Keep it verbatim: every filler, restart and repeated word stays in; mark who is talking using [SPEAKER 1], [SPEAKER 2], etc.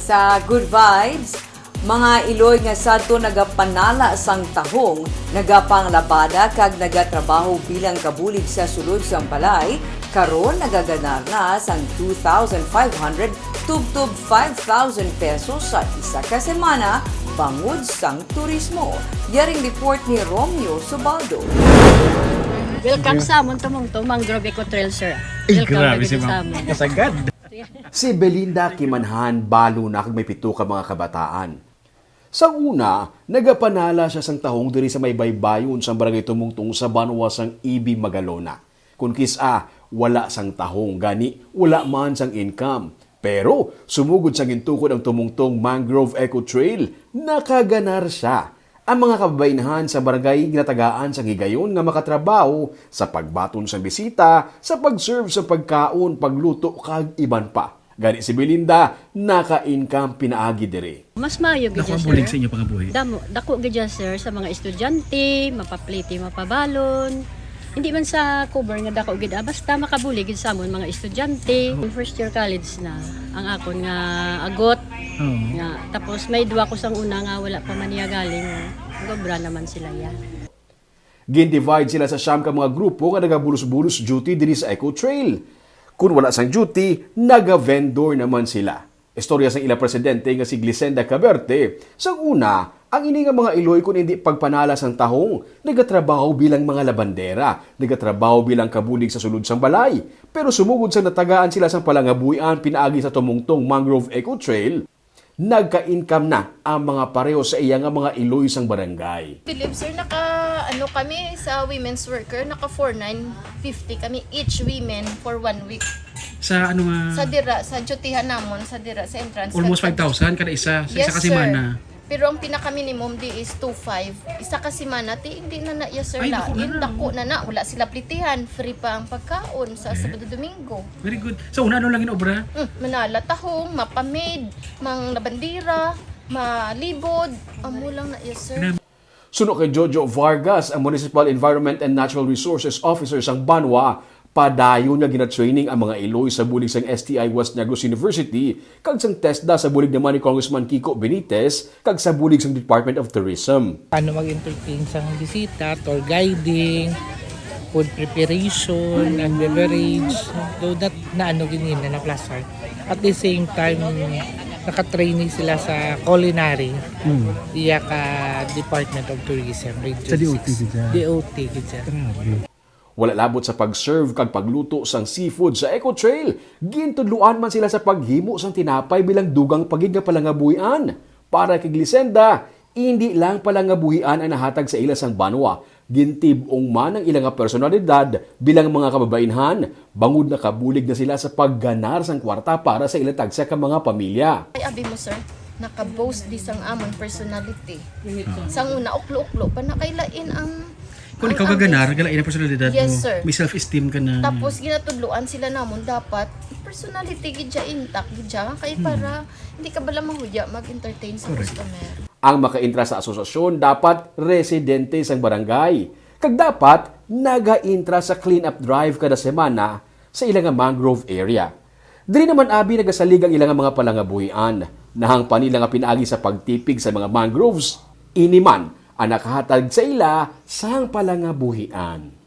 [SPEAKER 1] Sa Good Vibes, mga iloy nga sadto nagapanala sang tahong, nagapanglabada kag nagatrabaho bilang kabulig sa sulod sang balay, karon nagaganar na sang two thousand five hundred tubtub five thousand pesos sa isa ka semana bangod sang turismo. Yaring report ni Romeo Subaldo.
[SPEAKER 2] Welcome sa amon tumong to Mangrove Eco Trail, sir.
[SPEAKER 3] Ay,
[SPEAKER 2] Welcome
[SPEAKER 3] grabe
[SPEAKER 2] lagi
[SPEAKER 3] si
[SPEAKER 2] sa
[SPEAKER 3] Ma'am.
[SPEAKER 2] amon.
[SPEAKER 3] Kasagad.
[SPEAKER 4] Si Belinda Kimanhan balo na kag may pito ka mga kabataan. Sa una, nagapanala siya sang tahong diri sa may baybayon sa barangay Tumungtong sa Banwa sang Ibi Magalona. Kung kisa, wala sang tahong gani, wala man sang income. Pero sumugod sa gintukod ang Tumungtong Mangrove Eco Trail, nakaganar siya. Ang mga kababainahan sa barangay ginatagaan sa higayon nga makatrabaho sa pagbaton sa bisita, sa pag-serve sa pagkaon, pagluto kag iban pa. Gani si Belinda, naka-income pinaagi diri.
[SPEAKER 2] Mas maayo gid
[SPEAKER 3] Dako ang
[SPEAKER 2] sir.
[SPEAKER 3] bulig sa inyo pangabuhi.
[SPEAKER 2] Damo, dako gid sir sa mga estudyante, mapapliti, mapabalon. Hindi man sa cover nga dako gid, ah, basta makabulig gid sa amon mga estudyante. First year college na ang akon nga agot.
[SPEAKER 3] Oo.
[SPEAKER 2] Nga tapos may duwa ko sang una nga wala pa man niya galing. Gobra naman sila ya.
[SPEAKER 4] Gin-divide sila sa siyam ka mga grupo nga nagabulos-bulos duty diri sa Eco Trail. Kung wala sang duty, naga-vendor naman sila. Istorya sang ila presidente nga si Glisenda Caberte. Sa una, ang ini nga mga iloy kung hindi pagpanala sang tahong, nagatrabaho bilang mga labandera, nagatrabaho bilang kabulig sa sulod sang balay. Pero sumugod sa natagaan sila sang palangabuyan pinaagi sa Tumungtong Mangrove Eco Trail, nagka-income na ang mga pareho sa iya nga mga iloy sang barangay.
[SPEAKER 5] Philip, sir, naka ano kami sa women's worker, naka four nine fifty kami each women for one week.
[SPEAKER 3] Sa ano nga,
[SPEAKER 5] Sa dira, sa dutihan namon, sa dira, sa entrance.
[SPEAKER 3] almost five
[SPEAKER 5] Kag-
[SPEAKER 3] thousand kada isa sa
[SPEAKER 5] Yes,
[SPEAKER 3] isa kasi
[SPEAKER 5] sir.
[SPEAKER 3] mana.
[SPEAKER 5] Pero ang pinaka-minimum di is two five. Isa kasi mana, ti hindi na na, yes sir,
[SPEAKER 3] Ay, dako na
[SPEAKER 5] lain,
[SPEAKER 3] na.
[SPEAKER 5] dako na na. Wala sila plitihan, free pa ang pagkaon sa Sabado Domingo.
[SPEAKER 3] Very good. Sa una ano lang inobra?
[SPEAKER 5] Mm, manala tahong, mapamid, mang labandira, malibod, amo lang na, yes sir.
[SPEAKER 4] Suno kay Jojo Vargas, ang Municipal Environment and Natural Resources Officer sang Banwa, padayon nga gina-training ang mga iloy sa bulig sang S T I West Negros University kag sang TESDA sa bulig naman ni Congressman Kiko Benitez kag sa bulig sang Department of Tourism.
[SPEAKER 6] Paano mag-entertain sa bisita, tour guiding, food preparation, and beverage. So that na ano ganyan na na-plaster. At the same time, naka-training sila sa culinary.
[SPEAKER 3] Hmm.
[SPEAKER 6] Iya ka Department of Tourism. Region
[SPEAKER 3] Sa D O T
[SPEAKER 6] six.
[SPEAKER 3] gid siya.
[SPEAKER 6] D O T gid siya.
[SPEAKER 3] Grabe.
[SPEAKER 4] Wala labot sa pag-serve kag pagluto sang seafood sa Eco Trail. Gintudluan man sila sa paghimo sang tinapay bilang dugang pagid nga palangabuhian. Para kay Glisenda, hindi lang palangabuhian ang nahatag sa ila sang Banwa. Gintibong man ang ilang nga personalidad bilang mga kababainhan. Bangod na kabulig na sila sa pagganar sang kwarta para sa ila tagsa ka mga pamilya.
[SPEAKER 5] Ay, abi mo sir, naka-boast di sang amon personality. Sang una, uklo-uklo pa na kailain ang
[SPEAKER 3] Kung
[SPEAKER 5] ang-
[SPEAKER 3] ikaw
[SPEAKER 5] ang-
[SPEAKER 3] kaganar, gala ina personalidad
[SPEAKER 5] Yes,
[SPEAKER 3] mo.
[SPEAKER 5] sir.
[SPEAKER 3] May self-esteem ka na.
[SPEAKER 5] Tapos ginatudluan sila namon dapat personality gid siya intact gid siya kay para hindi ka bala mahudya mag-entertain sa customer.
[SPEAKER 4] Ang makaintra sa asosasyon dapat residente sang barangay. Kag dapat naga-intra sa clean-up drive kada semana sa ilang nga mangrove area. Diri naman abi nagasalig ang ilang nga mga palangabuhian. Nahang panila nga pinaagi sa pagtipig sa mga mangroves, iniman ang nakahatag sa ila sang palangabuhian.